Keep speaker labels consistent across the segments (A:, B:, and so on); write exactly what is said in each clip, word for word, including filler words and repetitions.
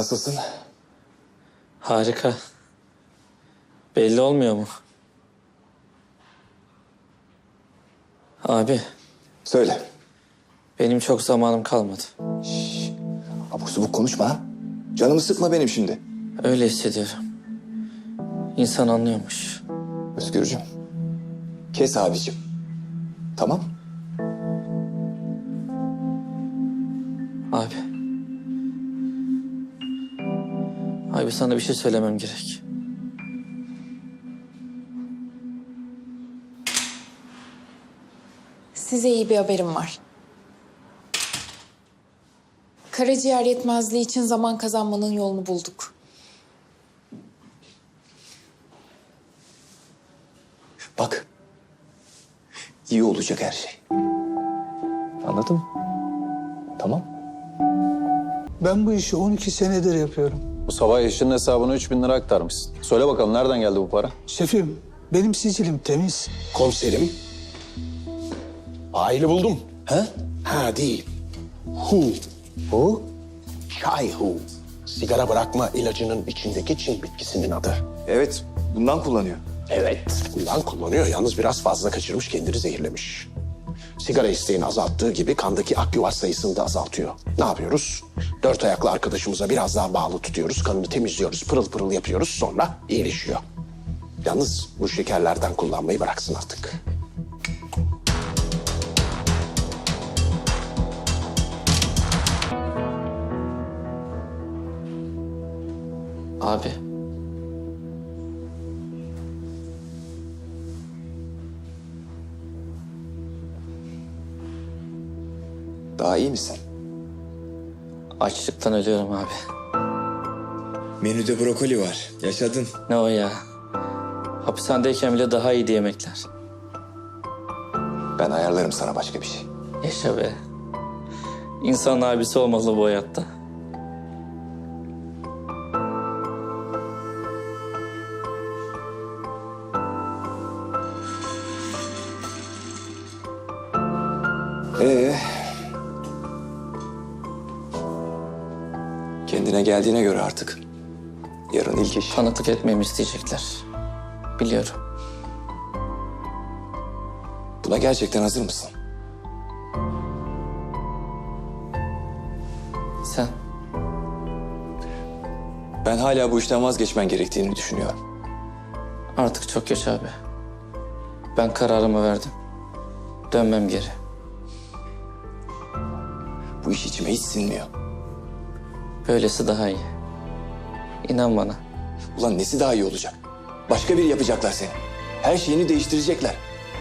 A: Nasılsın?
B: Harika. Belli olmuyor mu? Abi,
A: Söyle.
B: benim çok zamanım kalmadı.
A: Abuk subuk konuşma ha. Canımı sıkma benim şimdi.
B: Öyle hissediyorum. İnsan anlıyormuş.
A: Özgürcüm. Kes abicim. Tamam.
B: Abi. Abi sana bir şey söylemem gerek.
C: Size iyi bir haberim var. Karaciğer yetmezliği için zaman kazanmanın yolunu bulduk.
A: Bak. İyi olacak her şey. Anladın mı? Tamam.
D: Ben bu işi on iki senedir yapıyorum.
E: Bu sabah eşinin hesabına üç bin lira aktarmışsın. Söyle bakalım nereden geldi bu para?
D: Şefim, benim sicilim temiz.
F: Komiserim. Aile buldum.
A: Ha?
F: Ha değil. Hu.
A: O?
F: Çay hu. Sigara bırakma ilacının içindeki Çin bitkisinin adı.
A: Evet. Bundan kullanıyor.
F: Evet. Bundan kullanıyor. Yalnız biraz fazla kaçırmış, kendini zehirlemiş. Sigara isteğini azalttığı gibi kandaki akyuvar sayısını da azaltıyor. Ne yapıyoruz? Dört ayaklı arkadaşımıza biraz daha bağlı tutuyoruz. Kanını temizliyoruz, pırıl pırıl yapıyoruz. Sonra iyileşiyor. Yalnız bu şekerlerden kullanmayı bıraksın artık.
B: Abi.
A: Daha iyi misin?
B: Açlıktan ölüyorum abi.
A: Menüde brokoli var. Yaşadın.
B: Ne o ya? Hapishanedeyken bile daha iyiydi yemekler.
A: Ben ayarlarım sana başka bir şey.
B: Yaşa be. İnsan abisi olmalı bu hayatta.
A: Ee, kendine geldiğine göre artık yarın ilk iş.
B: Tanıklık etmemi isteyecekler. Biliyorum.
A: Buna gerçekten hazır mısın?
B: Sen?
A: Ben hala bu işten vazgeçmen gerektiğini düşünüyorum.
B: Artık çok geç abi. Ben kararımı verdim. Dönmem geri.
A: Bu iş içime hiç sinmiyor.
B: Böylesi daha iyi. İnan bana.
A: Ulan nesi daha iyi olacak? Başka biri yapacaklar seni. Her şeyini değiştirecekler.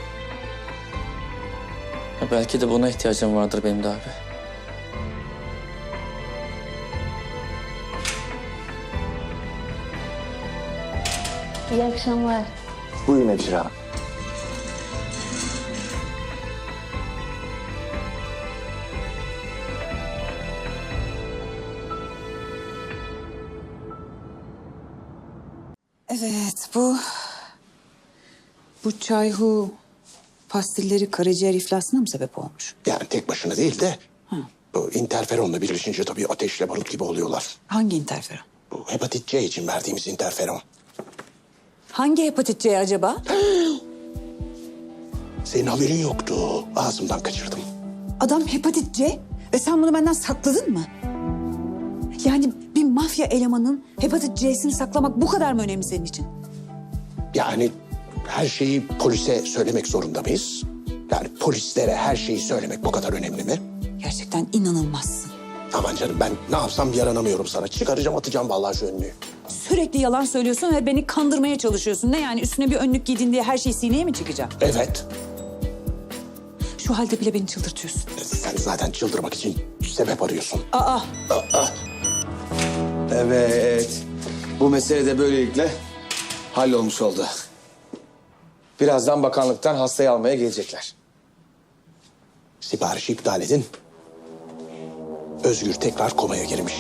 B: Ya belki de buna ihtiyacım vardır benim de abi.
G: İyi akşamlar.
A: Buyurun hemşire hanım.
H: Evet, bu... Bu çayhu pastilleri karaciğer iflasına mı sebep olmuş?
F: Yani tek başına değil de... Bu interferonla birleşince tabii ateşle barut gibi oluyorlar.
H: Hangi interferon?
F: Bu hepatit C için verdiğimiz interferon.
H: Hangi hepatit C acaba?
F: Senin haberin yoktu. Ağzımdan kaçırdım.
H: Adam hepatit C ve sen bunu benden sakladın mı? Yani bir mafya elemanın hepatit C'sini saklamak bu kadar mı önemli senin için?
F: Yani her şeyi polise söylemek zorunda mıyız? Yani polislere her şeyi söylemek bu kadar önemli mi?
H: Gerçekten inanılmazsın.
F: Aman canım ben ne yapsam yaranamıyorum sana. Çıkaracağım atacağım vallahi şu önlüğü.
H: Sürekli yalan söylüyorsun ve beni kandırmaya çalışıyorsun. Ne yani üstüne bir önlük giydin diye her şey sineye mi çıkacak?
F: Evet.
H: Şu halde bile beni çıldırtıyorsun.
F: Sen zaten çıldırmak için sebep arıyorsun.
H: Aa!
I: Evet. Bu mesele de böylelikle hallolmuş oldu. Birazdan bakanlıktan hastayı almaya gelecekler.
F: Siparişi iptal edin. Özgür tekrar komaya girmiş.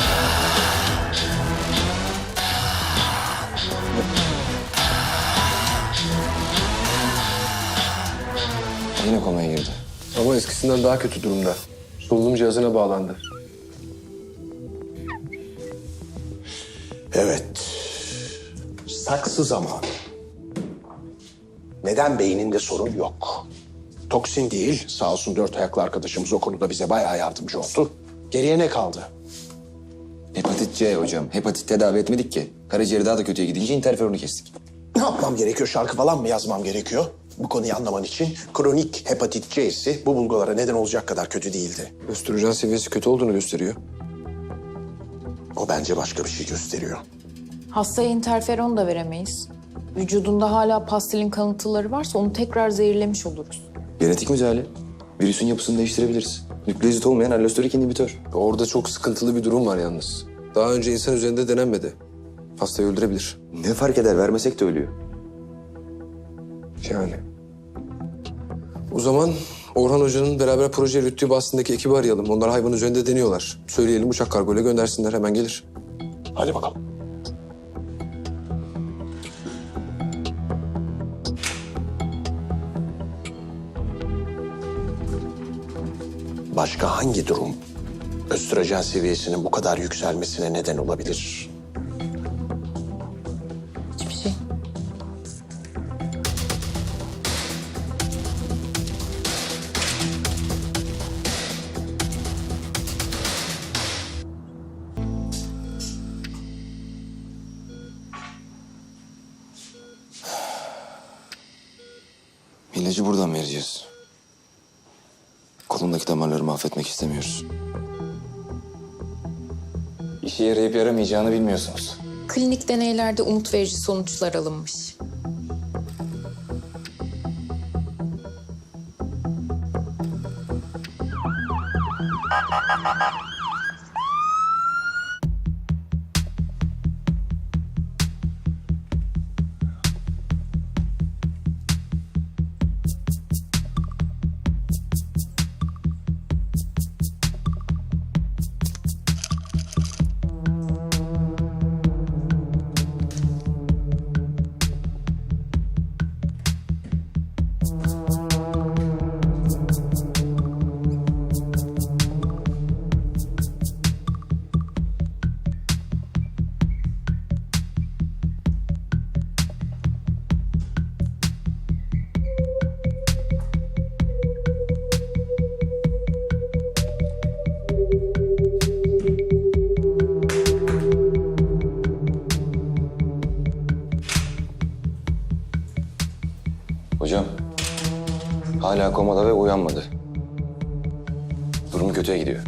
A: Yine komaya girdi.
J: Ama eskisinden daha kötü durumda. Solunum cihazına bağlandı.
F: Evet. Saksı zamanı. Neden beyninde sorun yok? Toksin değil. Sağ olsun dört ayaklı arkadaşımız o konuda bize bayağı yardımcı oldu. Geriye ne kaldı?
J: Hepatit C hocam. Hepatit tedavi etmedik ki. Karaciğeri daha da kötüye gidince interferonu kestik.
F: Ne yapmam gerekiyor? Şarkı falan mı yazmam gerekiyor? Bu konuyu anlaman için kronik hepatit C'si bu bulgulara neden olacak kadar kötü değildi.
I: Östrojen seviyesi kötü olduğunu gösteriyor.
F: O bence başka bir şey gösteriyor.
C: Hastaya interferon da veremeyiz. Vücudunda hala pastilin kalıntıları varsa onu tekrar zehirlemiş oluruz.
J: Genetik müdahale. Virüsün yapısını değiştirebiliriz. Nükleozit olmayan allosterik inhibitör.
I: Orada çok sıkıntılı bir durum var yalnız. Daha önce insan üzerinde denenmedi. Hastayı öldürebilir.
J: Ne fark eder? Vermesek de ölüyor.
I: Yani. O zaman Orhan Hoca'nın beraber proje yürüttüğü Boston'daki ekibi arayalım. Onlar hayvan üzerinde deniyorlar. Söyleyelim uçak kargoyla göndersinler, hemen gelir.
F: Hadi bakalım. Başka hangi durum östrojen seviyesinin bu kadar yükselmesine neden olabilir?
C: Hiçbir şey.
J: İlacı buradan vereceğiz. Kolundaki damarları mahvetmek istemiyoruz.
B: İşe yarayıp yaramayacağını bilmiyorsunuz.
C: Klinik deneylerde umut verici sonuçlar alınmış.
J: Hocam, hala komada ve uyanmadı. Durumu kötüye gidiyor.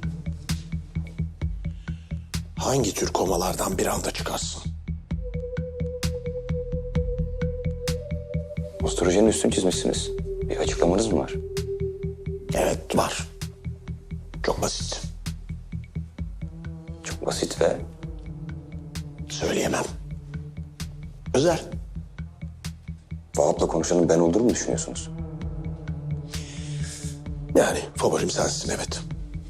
F: Hangi tür komalardan bir anda çıkarsın?
J: Östrojenin üstünü çizmişsiniz. Bir açıklamanız mı var?
F: Evet, var. Çok basit.
J: Çok basit ve
F: Söyleyemem. Özel.
J: Vahap'la konuşanın ben olduğumu mu düşünüyorsunuz?
F: Yani favorim sensin, evet.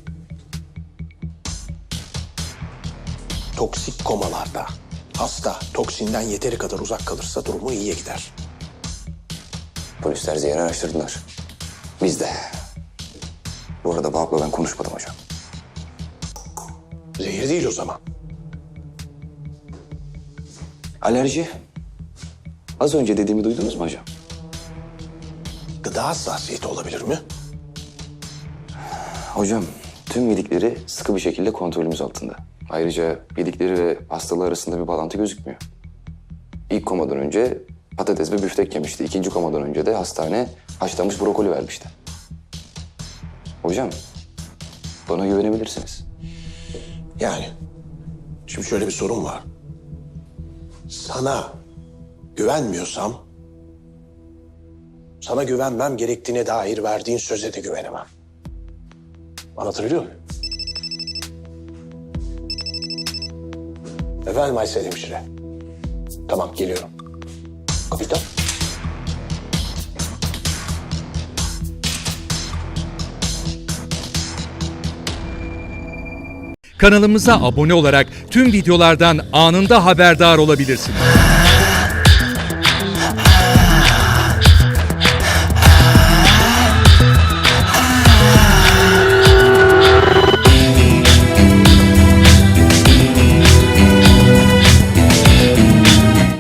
F: Toksik komalarda hasta toksinden yeteri kadar uzak kalırsa durumu iyiye gider.
J: Polisler zehri araştırdılar. Biz de. Bu arada Vahap'la ben konuşmadım hocam.
F: Zehir değil o zaman.
J: Alerji. Az önce dediğimi duydunuz mu hocam?
F: Gıda hassasiyeti olabilir mi?
J: Hocam, tüm yedikleri sıkı bir şekilde kontrolümüz altında. Ayrıca yedikleri ve hastalığı arasında bir bağlantı gözükmüyor. İlk komadan önce patates ve büftek yemişti. İkinci komadan önce de hastane haşlanmış brokoli vermişti. Hocam, bana güvenebilirsiniz.
F: Yani şimdi şöyle bir sorun var. Sana güvenmiyorsam sana güvenmem gerektiğine dair verdiğin söze de güvenemem. Anlatabiliyor muyum? Efendim Aysel hemşire. Tamam, geliyorum. Kapitan.
K: Kanalımıza abone olarak tüm videolardan anında haberdar olabilirsiniz.